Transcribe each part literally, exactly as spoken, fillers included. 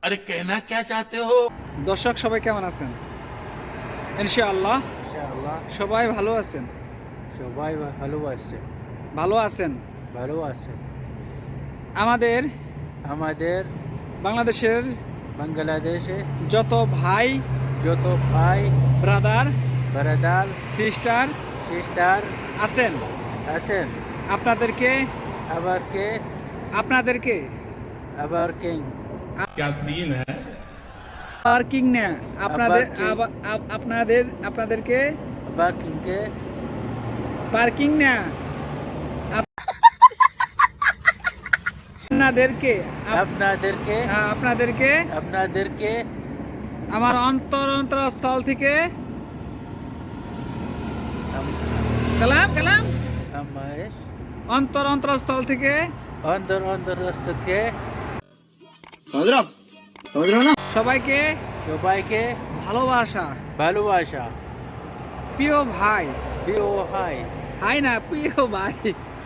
अरे कहना क्या चाहते हो? দর্শক সবাই কেমন আছেন? ইনশাআল্লাহ ইনশাআল্লাহ সবাই ভালো আছেন। সবাই ভালো আছে ভালো আছেন। ভালো আছে আমাদের আমাদের বাংলাদেশের বাংলাদেশে যত ভাই যত ভাই ব্রাদার ব্রাদার সিস্টার সিস্টার আছেন আছেন আপনাদেরকে আবার কে আপনাদেরকে আবার কে क्या सीन है? পার্কিং না আপনাদের আবার কি? আবা- আপ- আপনাদের আপনাদেরকে আবার কিনকে পার্কিং না আপ- আপনাদেরকে আপ- আপনাদেরকে হ্যাঁ, আপনাদেরকে আপনাদেরকে আমার অন্তর অন্তরস্থল থেকে কালাম কালাম আমার অন্তর অন্তরস্থল থেকে অন্তর অন্তরস্থকে সবাইকে সবাইকে ভালোবাসা ভালোবাসা প্রিয় ভাই প্রিয় ভাই হাই না প্রিয় ভাই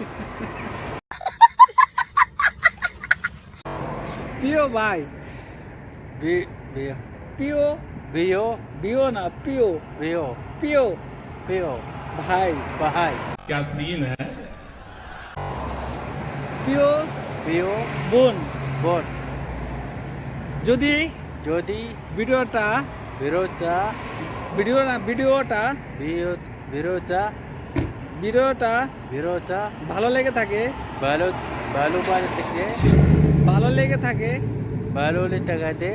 প্রিয় ভাই বি- বি- প্রিয় প্রিয় প্রিয় না প্রিয় প্রিয় প্রিয় প্রিয় ভাই ভাই क्या सीन है? প্রিয় প্রিয় বোন বোন যদি যদি ভিডিওটা বিরোধা ভিডিও না ভিডিওটা বিরোধ বিরোধা ভিডিওটা বিরোধা ভালো লেগে থাকে ভালো ভালো ভালো থেকে ভালো লেগে থাকে ভালো টাকাতে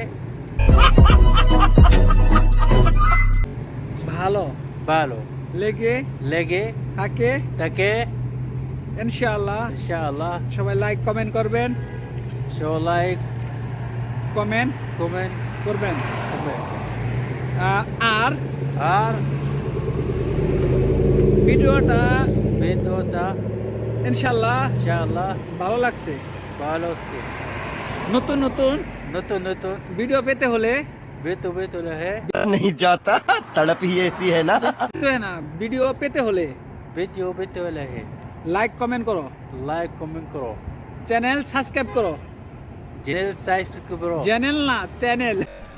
ভালো ভালো লেগে লেগে থাকে তাকে ইনশাআল্লাহ ইনশাআল্লাহ সবাই লাইক কমেন্ট করবেন শো লাইক কমেন্ট কমেন্ট করবেন কমেন্ট আহ, আর আর ভিডিওটা বেতোটা ইনশাআল্লাহ ইনশাআল্লাহ ভালো লাগছে ভালো হচ্ছে নতুন নতুন নতুন নতুন ভিডিও পেতে হলে বেতো বেতো রহে नहीं जाता तड़प ही ऐसी है ना। কিছু হয় না ভিডিও পেতে হলে বেতো বেতো রহে লাইক কমেন্ট করো লাইক কমেন্ট করো চ্যানেল সাবস্ক্রাইব করো চ্যানেল সাইজ করো চ্যানেল না চ্যানেল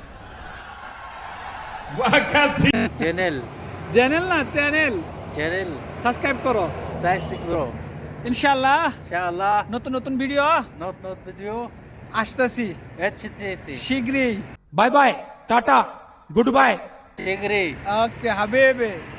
वाह क्या सीन! চ্যানেল চ্যানেল না চ্যানেল চ্যানেল সাবস্ক্রাইব করো সাইজ করো ইনশাআল্লাহ ইনশাআল্লাহ নতুন নতুন ভিডিও নতুন নতুন ভিডিও আসতেছি এসেছে শীঘ্রই bye bye tata goodbye টেগরে ওকে হাবিবে